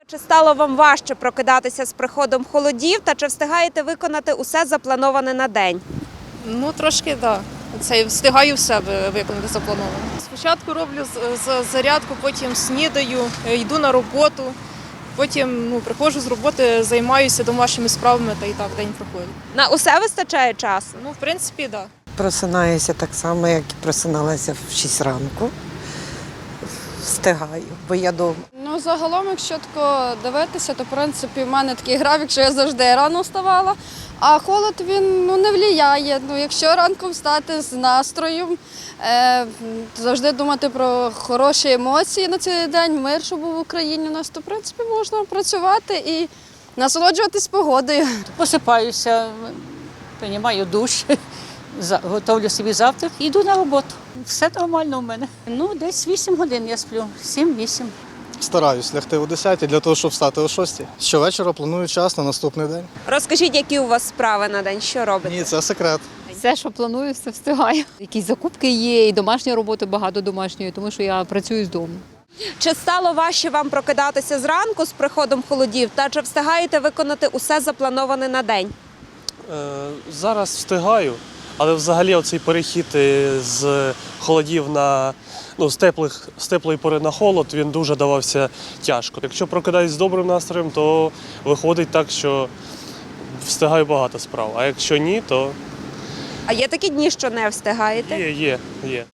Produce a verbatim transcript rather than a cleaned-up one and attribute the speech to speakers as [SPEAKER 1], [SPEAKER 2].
[SPEAKER 1] Чи стало вам важче прокидатися з приходом холодів та чи встигаєте виконати усе заплановане на день?
[SPEAKER 2] Ну, трошки, так. Да. Це встигаю все виконати заплановано. Спочатку роблю з- з- зарядку, потім снідаю, е, йду на роботу, потім ну, приходжу з роботи, займаюся домашніми справами та і так день проходить.
[SPEAKER 1] На усе вистачає часу?
[SPEAKER 2] Ну, в принципі, так. Да.
[SPEAKER 3] Просинаюся так само, як і просиналася в шість ранку. Встигаю, бо я вдома.
[SPEAKER 4] Ну, загалом, якщо тако дивитися, то в принципі в мене такий графік, що я завжди рано вставала. А холод він ну, не впливає. Ну, якщо ранком встати з настроєм, е, завжди думати про хороші емоції на цей день, мир, що був в Україні у нас, то в принципі можна працювати і насолоджуватись погодою.
[SPEAKER 5] Посипаюся, приймаю душ, за- готовлю собі завтрак і йду на роботу. Все нормально у мене. Ну, десь вісім годин я сплю, сім-вісім.
[SPEAKER 6] Стараюсь лягти о десятій для того, щоб встати о шостій. Щовечора планую час на наступний день.
[SPEAKER 1] Розкажіть, які у вас справи на день, що робите?
[SPEAKER 6] Ні, це секрет.
[SPEAKER 7] Все, що планую, все встигаю. Якісь закупки є, і домашня робота, багато домашньої, тому що я працюю з дому.
[SPEAKER 1] Чи стало важче вам прокидатися зранку з приходом холодів та чи встигаєте виконати усе заплановане на день?
[SPEAKER 8] Е, Зараз встигаю, але взагалі оцей перехід е, з холодів на ну, з теплих з теплої пори на холод він дуже давався тяжко. Якщо прокидаюсь з добрим настроєм, то виходить так, що встигаю багато справ. А якщо ні, то
[SPEAKER 1] А є такі дні, що не встигаєте?
[SPEAKER 8] є, є, є.